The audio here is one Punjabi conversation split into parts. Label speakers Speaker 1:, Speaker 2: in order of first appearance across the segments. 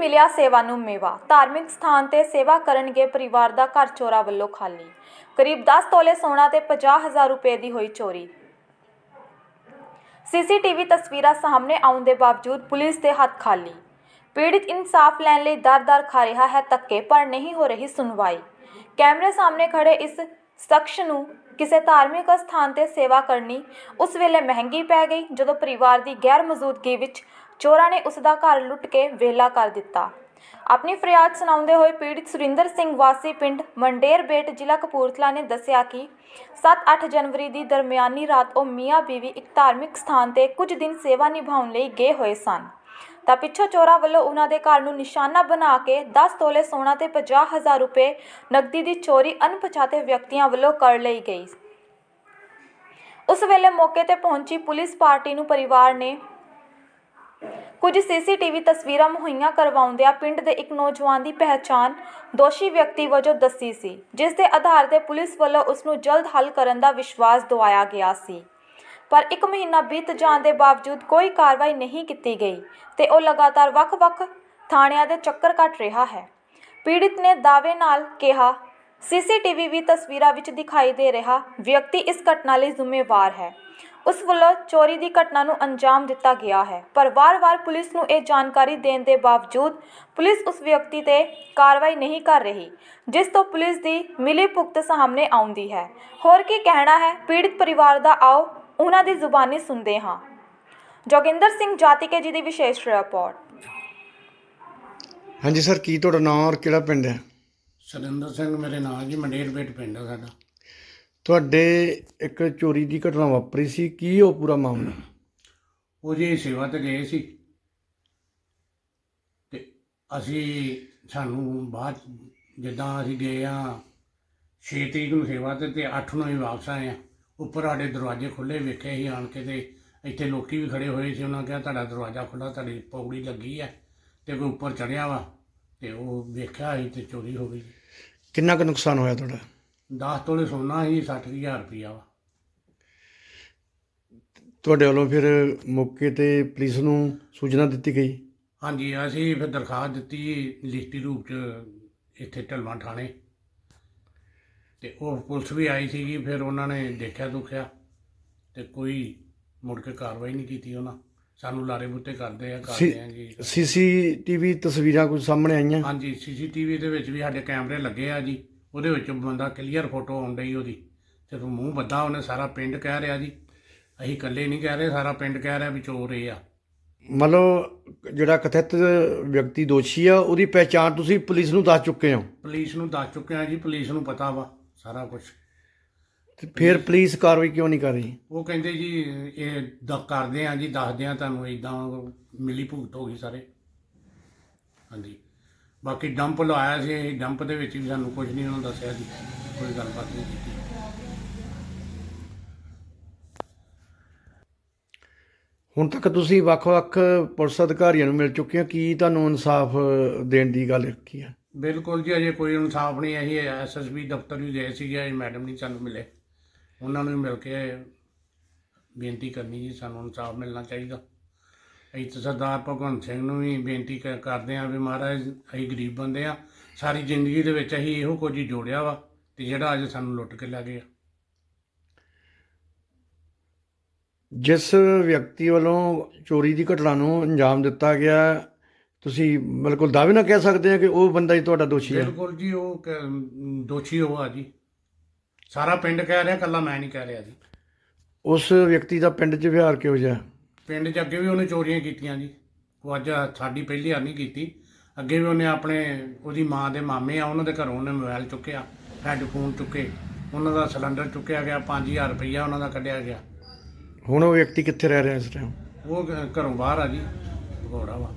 Speaker 1: ਮਿਲਿਆ ਸੇਵਾ ਨੂੰ ਮੇਵਾ। ਧਾਰਮਿਕ ਸਥਾਨ ਤੇ ਸੇਵਾ ਕਰਨਗੇ ਪਰਿਵਾਰ ਦਾ ਘਰ ਚੋਰਾਂ ਵੱਲੋਂ ਖਾਲੀ। ਕਰੀਬ 10 ਤੋਲੇ ਸੋਨਾ ਤੇ 50,000 ਰੁਪਏ ਦੀ ਹੋਈ ਚੋਰੀ। ਸੀਸੀਟੀਵੀ ਤਸਵੀਰਾਂ ਸਾਹਮਣੇ ਆਉਣ ਦੇ ਬਾਵਜੂਦ ਪੁਲਿਸ ਦੇ ਹੱਥ ਖਾਲੀ। ਪੀੜਿਤ ਇਨਸਾਫ ਲੈਣ ਲਈ ਦਰ-ਦਰ ਖਾ ਰਿਹਾ ਹੈ ਧੱਕੇ, ਪਰ ਨਹੀਂ ਹੋ ਰਹੀ ਸੁਣਵਾਈ। ਕੈਮਰੇ ਸਾਹਮਣੇ ਖੜੇ ਇਸ ਸ਼ਖਸ ਨੂੰ ਕਿਸੇ ਧਾਰਮਿਕ ਸਥਾਨ ਤੇ ਸੇਵਾ ਕਰਨੀ ਉਸ ਵੇਲੇ ਮਹਿੰਗੀ ਪੈ ਗਈ ਜਦੋਂ ਪਰਿਵਾਰ ਦੀ ਗੈਰ ਮੌਜੂਦਗੀ ਵਿੱਚ ਚੋਰਾਂ ਨੇ ਉਸ ਦਾ ਘਰ ਲੁੱਟ ਕੇ ਵਿਹਲਾ ਕਰ ਦਿੱਤਾ। ਆਪਣੀ ਫਰਿਆਦ ਸੁਣਾਉਂਦੇ ਹੋਏ ਪੀੜਿਤ ਸੁਰਿੰਦਰ ਸਿੰਘ ਵਾਸੀ ਪਿੰਡ ਮੰਡੇਰ ਬੇਟ ਜ਼ਿਲ੍ਹਾ ਕਪੂਰਥਲਾ ਨੇ ਦੱਸਿਆ ਕਿ 7-8 ਜਨਵਰੀ ਦੀ ਦਰਮਿਆਨੀ ਰਾਤ ਉਹ ਮੀਆਂ ਬੀਵੀ ਇੱਕ ਧਾਰਮਿਕ ਸਥਾਨ ਤੇ ਕੁਝ ਦਿਨ ਸੇਵਾ ਨਿਭਾਉਣ ਲਈ ਗਏ ਹੋਏ ਸਨ ਤਾਂ ਪਿੱਛੋਂ ਚੋਰਾਂ ਵੱਲੋਂ ਉਹਨਾਂ ਦੇ ਘਰ ਨੂੰ ਨਿਸ਼ਾਨਾ ਬਣਾ ਕੇ 10 ਤੋਲੇ ਸੋਨਾ ਤੇ 50,000 ਰੁਪਏ ਨਕਦੀ ਦੀ ਚੋਰੀ ਅਣਪਛਾਤੇ ਵਿਅਕਤੀਆਂ ਵੱਲੋਂ ਕਰ ਲਈ ਗਈ। ਉਸ ਵੇਲੇ ਮੌਕੇ ਤੇ ਪਹੁੰਚੀ ਪੁਲਿਸ ਪਾਰਟੀ ਨੂੰ ਪਰਿਵਾਰ ਨੇ ਕੁਝ ਸੀਸੀਟੀਵੀ ਤਸਵੀਰਾਂ ਮੁਹੱਈਆ ਕਰਵਾਉਂਦਿਆਂ ਪਿੰਡ ਦੇ ਇੱਕ ਨੌਜਵਾਨ ਦੀ ਪਹਿਚਾਣ ਦੋਸ਼ੀ ਵਿਅਕਤੀ ਵਜੋਂ ਦੱਸੀ ਸੀ, ਜਿਸ ਦੇ ਆਧਾਰ ਤੇ ਪੁਲਿਸ ਵੱਲੋਂ ਉਸ ਨੂੰ ਜਲਦ ਹੱਲ ਕਰਨ ਦਾ ਵਿਸ਼ਵਾਸ ਦਿਵਾਇਆ ਗਿਆ ਸੀ। ਪਰ 1 ਮਹੀਨਾ ਬੀਤ ਜਾਣ ਦੇ ਬਾਵਜੂਦ ਕੋਈ ਕਾਰਵਾਈ ਨਹੀਂ ਕੀਤੀ ਗਈ ਤੇ ਉਹ ਲਗਾਤਾਰ ਵੱਖ-ਵੱਖ ਥਾਣਿਆਂ ਦੇ ਚੱਕਰ ਕੱਟ ਰਿਹਾ ਹੈ। ਪੀੜਿਤ ਨੇ ਦਾਅਵੇ ਨਾਲ ਕਿਹਾ, ਸੀਸੀਟੀਵੀ ਵੀ ਤਸਵੀਰਾਂ ਵਿੱਚ ਦਿਖਾਈ ਦੇ ਰਿਹਾ ਵਿਅਕਤੀ ਇਸ ਘਟਨਾ ਲਈ ਜ਼ਿੰਮੇਵਾਰ ਹੈ। ਉਸ ਵੱਲੋਂ ਚੋਰੀ ਦੀ ਘਟਨਾ ਨੂੰ ਅੰਜਾਮ ਦਿੱਤਾ ਗਿਆ ਹੈ, ਪਰ ਵਾਰ-ਵਾਰ ਪੁਲਿਸ ਨੂੰ ਇਹ ਜਾਣਕਾਰੀ ਦੇਣ ਦੇ ਬਾਵਜੂਦ ਪੁਲਿਸ ਉਸ ਵਿਅਕਤੀ ਤੇ ਕਾਰਵਾਈ ਨਹੀਂ ਕਰ ਰਹੀ, ਜਿਸ ਤੋਂ ਪੁਲਿਸ ਦੀ ਮਿਲੀਭੁਗਤ ਸਾਹਮਣੇ ਆਉਂਦੀ ਹੈ। ਹੋਰ ਕੀ ਕਹਿਣਾ ਹੈ ਪੀੜਿਤ ਪਰਿਵਾਰ ਦਾ, ਆਓ ਉਹਨਾਂ ਦੀ ਜ਼ੁਬਾਨੀ ਸੁਣਦੇ ਹਾਂ। ਜੋਗਿੰਦਰ ਸਿੰਘ ਜਾਤੀਕੇ ਜੀ ਦੀ ਵਿਸ਼ੇਸ਼ ਰਿਪੋਰਟ।
Speaker 2: ਹਾਂਜੀ ਸਰ, ਕੀ ਤੁਹਾਡਾ ਨਾਮ ਔਰ ਕਿਹੜਾ ਪਿੰਡ ਹੈ?
Speaker 3: ਸੁਰਿੰਦਰ ਸਿੰਘ ਮੇਰੇ ਨਾਂ ਜੀ, ਮੰਡੇਰ ਬੇਟ ਪਿੰਡ ਹੈ ਸਾਡਾ।
Speaker 2: ਤੁਹਾਡੇ ਇੱਕ ਚੋਰੀ ਦੀ ਘਟਨਾ ਵਾਪਰੀ ਸੀ, ਕੀ ਉਹ ਪੂਰਾ ਮਾਮਲਾ?
Speaker 3: ਉਹ ਜੀ ਸੇਵਾ ਤੇ ਗਏ ਸੀ ਤੇ ਸਾਨੂੰ ਬਾਅਦ ਜਿੱਦਾਂ ਅਸੀਂ ਗਏ ਆ 6 ਤਰੀਕ ਨੂੰ ਸੇਵਾ ਤੇ 8 ਨੂੰ ਹੀ ਵਾਪਸ ਆਏ ਆ। ਉੱਪਰ ਸਾਡੇ ਦਰਵਾਜ਼ੇ ਖੁੱਲ੍ਹੇ ਵੇਖੇ ਸੀ ਆਣ ਕੇ, ਤੇ ਇੱਥੇ ਲੋਕੀ ਵੀ ਖੜੇ ਹੋਏ ਸੀ। ਉਹਨਾਂ ਕਿਹਾ ਤੁਹਾਡਾ ਦਰਵਾਜ਼ਾ ਖੁੱਲ੍ਹਾ, ਤੁਹਾਡੀ ਪੌੜੀ ਲੱਗੀ ਹੈ ਤੇ ਕੋਈ ਉੱਪਰ ਚੜ੍ਹਿਆ ਵਾ, ਤੇ ਉਹ ਵੇਖਿਆ ਸੀ ਤੇ ਚੋਰੀ ਹੋ ਗਈ।
Speaker 2: ਕਿੰਨਾ ਕੁ ਨੁਕਸਾਨ ਹੋਇਆ ਤੁਹਾਡਾ?
Speaker 3: 10 ਤੋਲੇ ਸੋਨਾ ਸੀ, 60,000 ਰੁਪਈਆ ਵਾ।
Speaker 2: ਤੁਹਾਡੇ ਵੱਲੋਂ ਫਿਰ ਮੌਕੇ ਤੇ ਪੁਲਿਸ ਨੂੰ ਸੂਚਨਾ ਦਿੱਤੀ ਗਈ?
Speaker 3: ਹਾਂਜੀ, ਅਸੀਂ ਫਿਰ ਦਰਖਾਸਤ ਦਿੱਤੀ ਲਿਖਤੀ ਰੂਪ 'ਚ ਇੱਥੇ ਢਲਵਾਂ ਥਾਣੇ, ਤੇ ਉਹ ਪੁਲਿਸ ਵੀ ਆਈ ਸੀਗੀ। ਫਿਰ ਉਹਨਾਂ ਨੇ ਦੇਖਿਆ ਦੁਖਿਆ ਤੇ ਕੋਈ ਮੁੜ ਕੇ ਕਾਰਵਾਈ ਨਹੀਂ ਕੀਤੀ। ਉਹਨਾਂ ਸਾਨੂੰ ਲਾਰੇ ਬੁੱਤੇ ਕਰਦੇ ਆ ਜੀ।
Speaker 2: ਸੀਸੀਟੀਵੀ ਤਸਵੀਰਾਂ ਕੁਝ ਸਾਹਮਣੇ ਆਈਆਂ?
Speaker 3: ਹਾਂਜੀ, ਸੀਸੀਟੀਵੀ ਦੇ ਵਿੱਚ ਵੀ ਸਾਡੇ ਕੈਮਰੇ ਲੱਗੇ ਆ ਜੀ। ਉਹਦੇ ਵਿੱਚ ਬੰਦਾ ਕਲੀਅਰ ਫੋਟੋ ਆਉਣ ਡਈ ਉਹਦੀ, ਜਦੋਂ ਮੂੰਹ ਬੱਧਾ ਉਹਨੇ। ਸਾਰਾ ਪਿੰਡ ਕਹਿ ਰਿਹਾ ਜੀ, ਅਸੀਂ ਇਕੱਲੇ ਨਹੀਂ ਕਹਿ ਰਹੇ, ਸਾਰਾ ਪਿੰਡ ਕਹਿ ਰਿਹਾ ਵੀ ਚੋਰ ਇਹ ਆ।
Speaker 2: ਮਤਲਬ ਜਿਹੜਾ ਕਥਿਤ ਵਿਅਕਤੀ ਦੋਸ਼ੀ ਆ ਉਹਦੀ ਪਹਿਚਾਣ ਤੁਸੀਂ ਪੁਲਿਸ ਨੂੰ ਦੱਸ ਚੁੱਕੇ ਹੋ?
Speaker 3: ਪੁਲਿਸ ਨੂੰ ਦੱਸ ਚੁੱਕੇ ਆ ਜੀ, ਪੁਲਿਸ ਨੂੰ ਪਤਾ ਵਾ ਸਾਰਾ ਕੁਛ।
Speaker 2: ਤੇ ਫਿਰ ਪੁਲਿਸ ਕਾਰਵਾਈ ਕਿਉਂ ਨਹੀਂ ਕਰ ਰਹੀ?
Speaker 3: ਉਹ ਕਹਿੰਦੇ ਜੀ ਇਹ ਕਰਦੇ ਆ ਜੀ, ਦੱਸਦੇ ਆ ਤੁਹਾਨੂੰ, ਇੱਦਾਂ ਮਿਲੀ ਭੁਗਤ ਹੋ ਗਈ ਸਾਰੇ। ਹਾਂਜੀ, ਬਾਕੀ ਡੰਪ ਲਵਾਇਆ ਸੀ, ਡੰਪ ਦੇ ਵਿੱਚ ਵੀ ਸਾਨੂੰ ਕੁਝ ਨਹੀਂ ਉਹਨਾਂ ਦੱਸਿਆ ਜੀ, ਕੋਈ ਗੱਲਬਾਤ ਨਹੀਂ ਕੀਤੀ।
Speaker 2: ਹੁਣ ਤੱਕ ਤੁਸੀਂ ਵੱਖ-ਵੱਖ ਪੁਲਿਸ ਅਧਿਕਾਰੀਆਂ ਨੂੰ ਮਿਲ ਚੁੱਕੇ ਹੋ, ਕੀ ਤੁਹਾਨੂੰ ਇਨਸਾਫ ਦੇਣ ਦੀ ਗੱਲ ਕੀ ਹੈ?
Speaker 3: ਬਿਲਕੁਲ ਜੀ, ਅਜੇ ਕੋਈ ਇਨਸਾਫ ਨਹੀਂ। ਅਸੀਂ SSB ਦਫ਼ਤਰ ਵੀ ਗਏ ਸੀਗੇ, ਮੈਡਮ ਨਹੀਂ ਸਾਨੂੰ ਮਿਲੇ। ਉਹਨਾਂ ਨੂੰ ਮਿਲ ਕੇ ਬੇਨਤੀ ਕਰਨੀ ਜੀ, ਸਾਨੂੰ ਇਨਸਾਫ ਮਿਲਣਾ ਚਾਹੀਦਾ। ਅਸੀਂ ਤਾਂ ਸਰਦਾਰ ਭਗਵੰਤ ਸਿੰਘ ਨੂੰ ਵੀ ਬੇਨਤੀ ਕਰਦੇ ਹਾਂ ਵੀ ਮਹਾਰਾਜ, ਅਸੀਂ ਗਰੀਬ ਬੰਦੇ ਆ, ਸਾਰੀ ਜ਼ਿੰਦਗੀ ਦੇ ਵਿੱਚ ਅਸੀਂ ਇਹੋ ਕੁਝ ਹੀ ਜੋੜਿਆ ਵਾ, ਤੇ ਜਿਹੜਾ ਅੱਜ ਸਾਨੂੰ ਲੁੱਟ ਕੇ ਲੈ ਗਏ।
Speaker 2: ਜਿਸ ਵਿਅਕਤੀ ਵੱਲੋਂ ਚੋਰੀ ਦੀ ਘਟਨਾ ਨੂੰ ਅੰਜਾਮ ਦਿੱਤਾ ਗਿਆ, ਤੁਸੀਂ ਬਿਲਕੁਲ ਦਾਅਵੇ ਨਾਲ ਕਹਿ ਸਕਦੇ ਹੋ ਕਿ ਉਹ ਬੰਦਾ ਹੀ ਤੁਹਾਡਾ ਦੋਸ਼ੀ ਹੈ?
Speaker 3: ਬਿਲਕੁਲ ਜੀ, ਉਹ ਦੋਸ਼ੀ ਉਹ ਆ ਜੀ। ਸਾਰਾ ਪਿੰਡ ਕਹਿ ਰਿਹਾ, ਇਕੱਲਾ ਮੈਂ ਨਹੀਂ ਕਹਿ ਰਿਹਾ ਜੀ।
Speaker 2: ਉਸ ਵਿਅਕਤੀ ਦਾ ਪਿੰਡ 'ਚ ਵਿਹਾਰ ਕਿਹੋ ਜਿਹਾ?
Speaker 3: ਪਿੰਡ 'ਚ ਅੱਗੇ ਵੀ ਉਹਨੇ ਚੋਰੀਆਂ ਕੀਤੀਆਂ ਜੀ। ਉਹ ਅੱਜ ਸਾਡੀ ਪਹਿਲੀ ਵਾਰ ਨਹੀਂ ਕੀਤੀ, ਅੱਗੇ ਵੀ ਉਹਨੇ ਉਹਦੀ ਮਾਂ ਦੇ ਮਾਮੇ ਆ, ਉਹਨਾਂ ਦੇ ਘਰੋਂ ਉਹਨੇ ਮੋਬਾਈਲ ਚੁੱਕਿਆ, ਹੈੱਡਫੋਨ ਚੁੱਕੇ, ਉਹਨਾਂ ਦਾ ਸਿਲੰਡਰ ਚੁੱਕਿਆ ਗਿਆ, 5,000 ਰੁਪਈਆ ਉਹਨਾਂ ਦਾ ਕੱਢਿਆ ਗਿਆ।
Speaker 2: ਹੁਣ ਉਹ ਵਿਅਕਤੀ ਕਿੱਥੇ ਰਹਿ ਰਿਹਾ ਇਸ ਟਾਈਮ?
Speaker 3: ਉਹ ਘਰੋਂ ਬਾਹਰ ਆ ਜੀ, ਭਗੌੜਾ ਵਾ।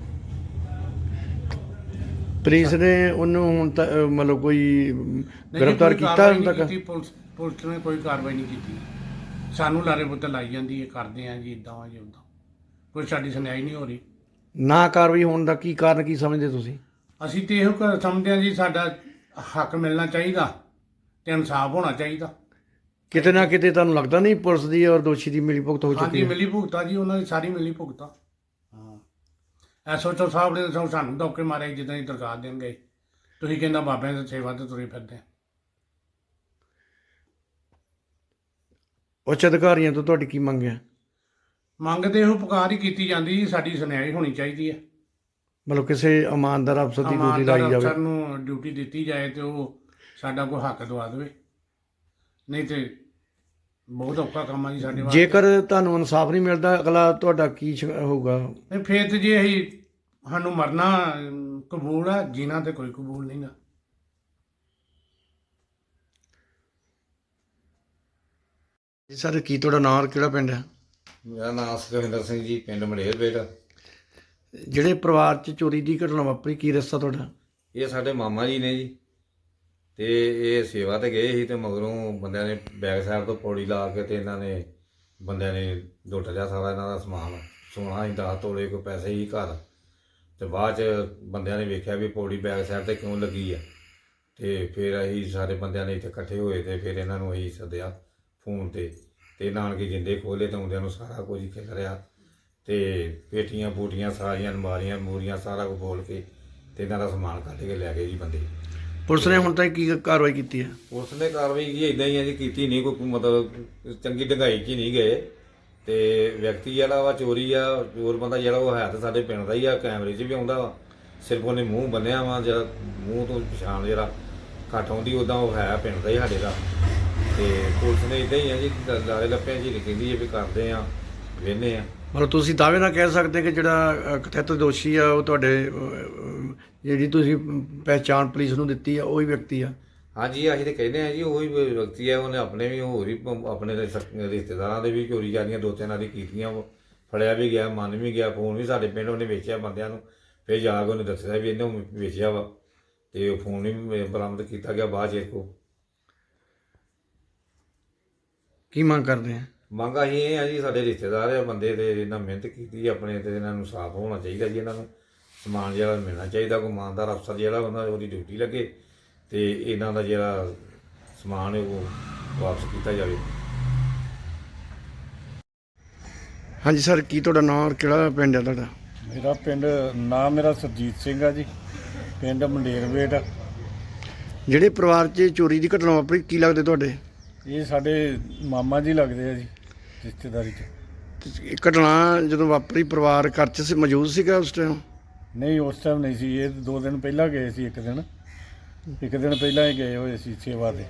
Speaker 2: ਪੁਲਿਸ ਨੇ ਉਹਨੂੰ ਹੁਣ ਤੱਕ ਮਤਲਬ ਕੋਈ ਗ੍ਰਿਫਤਾਰ ਕੀਤਾ ਹੁਣ ਤੱਕ?
Speaker 3: ਪੁਲਿਸ ਨੇ ਕੋਈ ਕਾਰਵਾਈ ਨਹੀਂ ਕੀਤੀ। ਸਾਨੂੰ ਲਾਰੇ ਬੁੱਤੇ ਲਾਈ ਜਾਂਦੀ ਹੈ, ਕਰਦੇ ਆ ਜੀ ਇੱਦਾਂ ਆ ਜੀ ਉੱਦਾਂ, ਕੋਈ ਸਾਡੀ ਸੁਣਾਈ ਨਹੀਂ ਹੋ ਰਹੀ।
Speaker 2: ਨਾ ਕਾਰਵਾਈ ਹੋਣ ਦਾ ਕੀ ਕਾਰਨ ਕੀ ਸਮਝਦੇ ਤੁਸੀਂ?
Speaker 3: ਅਸੀਂ ਤੇ ਇਹੋ ਸਮਝਦੇ ਹਾਂ ਜੀ, ਸਾਡਾ ਹੱਕ ਮਿਲਣਾ ਚਾਹੀਦਾ ਤੇ ਇਨਸਾਫ ਹੋਣਾ ਚਾਹੀਦਾ।
Speaker 2: ਕਿਤੇ ਨਾ ਕਿਤੇ ਤੁਹਾਨੂੰ ਲੱਗਦਾ ਨਹੀਂ ਪੁਲਿਸ ਦੀ ਔਰ ਦੋਸ਼ੀ ਦੀ ਮਿਲੀ ਭੁਗਤ ਹੋ ਚੁੱਕੀ ਹੈ?
Speaker 3: ਹਾਂਜੀ, ਮਿਲੀ ਭੁਗਤਾ ਜੀ, ਉਹਨਾਂ ਦੀ ਸਾਰੀ ਮਿਲੀ ਭੁਗਤਾ। ਹਾਂ, ਐਸਓਚਓ ਸਾਹਿਬ ਨੇ ਤਾਂ ਸਾਨੂੰ ਧੋਕੇ ਮਾਰੇ ਜਿੱਦਾਂ ਹੀ ਦਰਖਾਸਤ ਦੇਣ ਗਏ। ਤੁਸੀਂ ਕਹਿੰਦਾ ਬਾਬਿਆਂ ਦੀ ਸੇਵਾ ਤੇ ਤੁਰੇ ਫਿਰਦੇ।
Speaker 2: ਉੱਚ ਅਧਿਕਾਰੀਆਂ ਤੋਂ ਤੁਹਾਡੀ ਕੀ ਮੰਗ ਹੈ?
Speaker 3: ਮੰਗ ਤੇ ਇਹੋ ਪੁਕਾਰ ਹੀ ਕੀਤੀ ਜਾਂਦੀ ਜੀ, ਸਾਡੀ ਸੁਣਾਈ ਹੋਣੀ ਚਾਹੀਦੀ ਹੈ।
Speaker 2: ਮਤਲਬ ਕਿਸੇ ਇਮਾਨਦਾਰ ਅਫਸਰ ਦੀ ਡਿਊਟੀ
Speaker 3: ਇਮਾਨਦਾਰ
Speaker 2: ਲਾਈ ਜਾਵੇ।
Speaker 3: ਅਫਸਰ ਨੂੰ ਡਿਊਟੀ ਦਿੱਤੀ ਜਾਏ ਤੇ ਉਹ ਸਾਡਾ ਕੋਈ ਹੱਕ ਦਵਾ ਦੇਵੇ, ਨਹੀਂ ਤੇ ਬਹੁਤ ਔਖਾ ਕੰਮ ਆ ਜੀ ਸਾਡੇ ਵਾਸਤੇ।
Speaker 2: ਜੇਕਰ ਤੁਹਾਨੂੰ ਇਨਸਾਫ ਨਹੀਂ ਮਿਲਦਾ ਅਗਲਾ ਤੁਹਾਡਾ ਕੀ ਹੋਊਗਾ?
Speaker 3: ਨਹੀਂ ਫਿਰ ਤੇ ਜੇ ਅਸੀਂ ਸਾਨੂੰ ਮਰਨਾ ਕਬੂਲ ਆ, ਜੀਣਾ ਤੇ ਕੋਈ ਕਬੂਲ ਨਹੀਂਗਾ।
Speaker 2: ਜੀ ਸਰ, ਕੀ ਤੁਹਾਡਾ ਨਾਂ ਔਰ ਕਿਹੜਾ ਪਿੰਡ ਹੈ?
Speaker 4: ਮੇਰਾ ਨਾਮ ਸੁਖਵਿੰਦਰ ਸਿੰਘ ਜੀ, ਪਿੰਡ ਮਲੇਰਬੇਟ।
Speaker 2: ਜਿਹੜੇ ਪਰਿਵਾਰ 'ਚ ਚੋਰੀ ਦੀ ਘਟਨਾ ਵਾਪਰੀ, ਕੀ ਰਸਤਾ ਤੁਹਾਡਾ?
Speaker 4: ਇਹ ਸਾਡੇ ਮਾਮਾ ਜੀ ਨੇ ਜੀ, ਤੇ ਇਹ ਸੇਵਾ ਤੇ ਗਏ ਸੀ ਤੇ ਮਗਰੋਂ ਬੰਦਿਆਂ ਨੇ ਬੈਕ ਸਾਈਡ ਤੋਂ ਪੌੜੀ ਲਾ ਕੇ ਤੇ ਇਹਨਾਂ ਨੇ ਬੰਦਿਆਂ ਨੇ ਲੁੱਟ ਲਿਆ ਸਾਰਾ ਇਹਨਾਂ ਦਾ ਸਮਾਨ। ਸੋਨਾ ਹੀ 10 ਤੋਲੇ ਕੋਈ ਪੈਸੇ ਹੀ ਘਰ। ਤੇ ਬਾਅਦ 'ਚ ਬੰਦਿਆਂ ਨੇ ਵੇਖਿਆ ਵੀ ਪੌੜੀ ਬੈਕ ਸਾਈਡ ਤੇ ਕਿਉਂ ਲੱਗੀ ਆ, ਤੇ ਫਿਰ ਅਸੀਂ ਸਾਰੇ ਬੰਦਿਆਂ ਨੇ ਇੱਥੇ ਇਕੱਠੇ ਹੋਏ ਤੇ ਫਿਰ ਇਹਨਾਂ ਨੂੰ ਅਸੀਂ ਸੱਦਿਆ ਫੋਨ ਤੇ ਨਾਨਕੇ ਜਿੰਦੇ ਖੋਲ੍ਹੇ ਤੇ ਆਉਂਦਿਆਂ ਨੂੰ ਸਾਰਾ ਕੁਝ ਹੀ ਖਿਲ ਰਿਹਾ ਤੇ ਪੇਟੀਆਂ ਪੂਟੀਆਂ ਸਾਰੀਆਂ ਅਲਮਾਰੀਆਂ ਮੂਰੀਆਂ ਸਾਰਾ ਕੁਝ ਬੋਲ ਕੇ ਤੇ ਇਹਨਾਂ ਦਾ ਸਮਾਨ ਕੱਢ ਕੇ ਲੈ ਗਏ ਜੀ ਬੰਦੇ।
Speaker 2: ਪੁਲਿਸ ਨੇ ਹੁਣ ਤੱਕ ਕੀ ਕਾਰਵਾਈ ਕੀਤੀ ਹੈ?
Speaker 4: ਪੁਲਿਸ ਨੇ ਕਾਰਵਾਈ ਕੀ ਇਦਾਂ ਹੀ ਹੈ ਜੀ, ਕੀਤੀ ਨਹੀਂ ਕੋਈ ਮਤਲਬ ਚੰਗੀ ਡੰਗਾਈ 'ਚ ਹੀ ਨਹੀਂ ਗਏ। ਤੇ ਵਿਅਕਤੀ ਜਿਹੜਾ ਵਾ ਚੋਰੀ ਆ, ਚੋਰ ਬੰਦਾ ਜਿਹੜਾ ਉਹ ਹੈ ਤਾਂ ਸਾਡੇ ਪਿੰਡ ਦਾ ਹੀ ਆ, ਕੈਮਰੇ 'ਚ ਵੀ ਆਉਂਦਾ ਵਾ। ਸਿਰਫ ਉਹਨੇ ਮੂੰਹ ਬੰਨਿਆ ਵਾ, ਜਿਹੜਾ ਮੂੰਹ ਤੋਂ ਪਛਾਣ ਜਿਹੜਾ ਘੱਟ ਆਉਂਦੀ ਉੱਦਾਂ ਉਹ ਹੈ ਪਿੰਡ ਦਾ ਹੀ ਸਾਡੇ ਦਾ। ਤੇ ਪੁਲਿਸ ਨੇ ਇਦਾਂ ਹੀ ਆ ਜੀ, ਲਾਰੇ ਲੱਪਿਆਂ 'ਚ ਹੀ ਕਹਿੰਦੀ ਹੈ ਵੀ ਕਰਦੇ ਆ, ਵੇਹਨੇ ਆ।
Speaker 2: ਮਤਲਬ ਤੁਸੀਂ ਦਾਅਵੇ ਨਾਲ ਕਹਿ ਸਕਦੇ ਕਿ ਜਿਹੜਾ ਕਥਿਤ ਦੋਸ਼ੀ ਆ ਉਹ ਤੁਹਾਡੇ ਜਿਹੜੀ ਤੁਸੀਂ ਪਹਿਚਾਣ ਪੁਲਿਸ ਨੂੰ ਦਿੱਤੀ ਆ ਉਹੀ ਵਿਅਕਤੀ ਆ?
Speaker 4: ਹਾਂਜੀ, ਅਸੀਂ ਤਾਂ ਕਹਿੰਦੇ ਆ ਜੀ ਉਹੀ ਵਿਅਕਤੀ ਹੈ। ਉਹਨੇ ਆਪਣੇ ਵੀ ਹੋਰ ਵੀ ਆਪਣੇ ਰਿਸ਼ਤੇਦਾਰਾਂ ਦੇ ਵੀ ਚੋਰੀ ਜਾਰੀਆਂ 2-3 ਦੀ ਕੀਤੀਆਂ। ਫੜਿਆ ਵੀ ਗਿਆ, ਮੰਨ ਵੀ ਗਿਆ। ਫੋਨ ਵੀ ਸਾਡੇ ਪਿੰਡ ਉਹਨੇ ਵੇਚਿਆ ਬੰਦਿਆਂ ਨੂੰ, ਫਿਰ ਜਾ ਕੇ ਉਹਨੇ ਦੱਸਿਆ ਵੀ ਇਹਨੇ ਵੇਚਿਆ ਵਾ ਤੇ ਉਹ ਫੋਨ ਵੀ ਬਰਾਮਦ ਕੀਤਾ ਗਿਆ ਬਾਅਦ 'ਚ। ਕੋ
Speaker 2: ਕੀ ਮੰਗ ਕਰਦੇ ਆ?
Speaker 4: ਮੰਗ ਅਸੀਂ ਇਹ ਆ ਜੀ, ਸਾਡੇ ਰਿਸ਼ਤੇਦਾਰ ਆ ਬੰਦੇ ਤੇ ਇਹਨਾਂ ਮਿਹਨਤ ਕੀਤੀ ਆਪਣੇ ਤੇ ਇਹਨਾਂ ਨੂੰ ਸਾਫ਼ ਹੋਣਾ ਚਾਹੀਦਾ ਜੀ। ਇਹਨਾਂ ਨੂੰ ਸਮਾਨ ਜਿਹੜਾ ਮਿਲਣਾ ਚਾਹੀਦਾ। ਕੋਈ ਇਮਾਨਦਾਰ ਅਫਸਰ ਜਿਹੜਾ ਉਹਨਾਂ ਉਹਦੀ ਡਿਊਟੀ ਲੱਗੇ ਤੇ ਇਹਨਾਂ ਦਾ ਜਿਹੜਾ ਸਮਾਨ ਹੈ ਉਹ ਵਾਪਸ ਕੀਤਾ ਜਾਵੇ।
Speaker 2: ਹਾਂਜੀ ਸਰ, ਕੀ ਤੁਹਾਡਾ ਨਾਂ ਔਰ ਕਿਹੜਾ ਪਿੰਡ ਹੈ ਤੁਹਾਡਾ?
Speaker 5: ਮੇਰਾ ਪਿੰਡ ਨਾਮ ਮੇਰਾ ਸਰਜੀਤ ਸਿੰਘ ਆ ਜੀ, ਪਿੰਡ ਮੰਡੇਰਵੇਟ।
Speaker 2: ਜਿਹੜੇ ਪਰਿਵਾਰ 'ਚ ਚੋਰੀ ਦੀ ਘਟਨਾ ਵਾਪਰੀ, ਕੀ ਲੱਗਦੇ ਤੁਹਾਡੇ?
Speaker 5: ਇਹ ਸਾਡੇ ਮਾਮਾ ਜੀ ਲੱਗਦੇ ਆ ਜੀ, ਰਿਸ਼ਤੇਦਾਰੀ 'ਚ।
Speaker 2: ਤੇ ਇਹ ਘਟਨਾ ਜਦੋਂ ਵਾਪਰੀ ਪਰਿਵਾਰ ਘਰ 'ਚ ਮੌਜੂਦ ਸੀਗਾ ਉਸ ਟਾਈਮ?
Speaker 5: ਨਹੀਂ, ਉਸ ਟਾਈਮ ਨਹੀਂ ਸੀ। ਇਹ 2 ਦਿਨ ਪਹਿਲਾਂ ਗਏ ਸੀ। ਇੱਕ ਦਿਨ ਪਹਿਲਾਂ ਹੀ ਗਏ ਹੋਏ ਸੀ ਸੇਵਾ ਤੇ।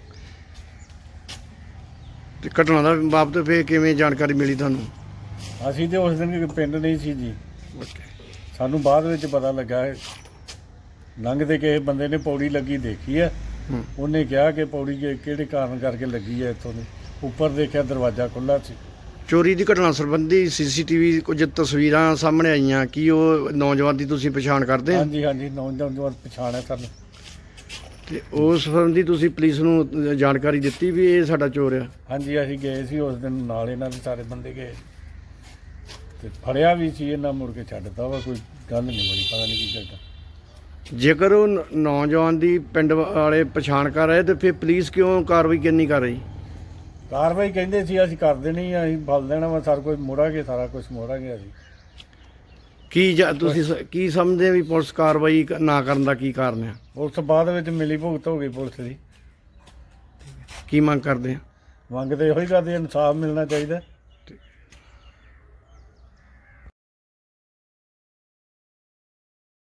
Speaker 2: ਤੇ ਘਟਨਾ ਦਾ ਬਾਬਤ ਫਿਰ ਕਿਵੇਂ ਜਾਣਕਾਰੀ ਮਿਲੀ ਤੁਹਾਨੂੰ?
Speaker 5: ਅਸੀਂ ਤੇ ਉਸ ਦਿਨ ਪਿੰਡ ਨਹੀਂ ਸੀ ਜੀ, ਸਾਨੂੰ ਬਾਅਦ ਵਿੱਚ ਪਤਾ ਲੱਗਾ। ਲੰਘਦੇ ਕਿਸੇ ਬੰਦੇ ਨੇ ਪੌੜੀ ਲੱਗੀ ਦੇਖੀ ਹੈ। ਉਹਨੇ ਕਿਹਾ ਕਿ ਪੌੜੀ ਕਿਹੜੇ ਕਾਰਨ ਕਰਕੇ ਲੱਗੀ ਹੈ। ਇੱਥੋਂ ਦੇ ਉੱਪਰ ਦੇਖਿਆ ਦਰਵਾਜ਼ਾ ਖੁੱਲ੍ਹਾ ਸੀ।
Speaker 2: ਚੋਰੀ ਦੀ ਘਟਨਾ ਸੰਬੰਧੀ ਸੀਸੀਟੀਵੀ ਕੁਝ ਤਸਵੀਰਾਂ ਸਾਹਮਣੇ ਆਈਆਂ, ਕੀ ਉਹ ਨੌਜਵਾਨ ਦੀ ਤੁਸੀਂ ਪਛਾਣ ਕਰਦੇ ਆ?
Speaker 5: ਹਾਂਜੀ ਹਾਂਜੀ, ਨੌਜਵਾਨ ਪਛਾਣ ਹੈ ਸਾਨੂੰ।
Speaker 2: ਤੇ ਉਸ ਸੰਬੰਧੀ ਤੁਸੀਂ ਪੁਲਿਸ ਨੂੰ ਜਾਣਕਾਰੀ ਦਿੱਤੀ ਵੀ ਇਹ ਸਾਡਾ ਚੋਰ ਆ?
Speaker 5: ਹਾਂਜੀ, ਅਸੀਂ ਗਏ ਸੀ ਉਸ ਦਿਨ, ਨਾਲ ਇਹਨਾਂ ਦੇ ਸਾਰੇ ਬੰਦੇ ਗਏ ਤੇ ਫੜਿਆ ਵੀ ਸੀ। ਇਹਨਾਂ ਮੁੜ ਕੇ ਛੱਡਤਾ ਵਾ, ਕੋਈ ਗੱਲ ਨਹੀਂ ਬਣੀ, ਪਤਾ ਨਹੀਂ ਕੀ ਕਰਦਾ।
Speaker 2: ਜੇਕਰ ਉਹ ਨੌਜਵਾਨ ਦੀ ਪਿੰਡ ਵਾਲੇ ਪਛਾਣ ਕਰ ਰਹੇ ਤੇ ਫਿਰ ਪੁਲਿਸ ਕਿਉਂ ਕਾਰਵਾਈ ਕਿੰਨੀ ਕਰ ਰਹੀ?
Speaker 5: ਕਾਰਵਾਈ ਕਹਿੰਦੇ ਸੀ ਅਸੀਂ ਕਰ ਦੇਣੀ ਆ, ਅਸੀਂ ਫਲ ਦੇਣਾ ਵਾ, ਸਾਰਾ ਕੁਝ ਮੋੜਾਂਗੇ, ਸਾਰਾ ਕੁਝ ਮੋੜਾਂਗੇ ਅਸੀਂ।
Speaker 2: ਤੁਸੀਂ ਕੀ ਸਮਝਦੇ ਵੀ ਪੁਲਿਸ ਕਾਰਵਾਈ ਨਾ ਕਰਨ ਦਾ ਕੀ ਕਾਰਨ ਆ?
Speaker 5: ਉਸ ਬਾਅਦ ਵਿੱਚ ਮਿਲੀ ਭੁਗਤ ਹੋ ਗਈ ਪੁਲਿਸ ਦੀ।
Speaker 2: ਕੀ ਮੰਗ ਕਰਦੇ ਆ?
Speaker 5: ਮੰਗ ਤੇ ਇਹੋ ਹੀ ਕਰਦੇ, ਇਨਸਾਫ ਮਿਲਣਾ ਚਾਹੀਦਾ।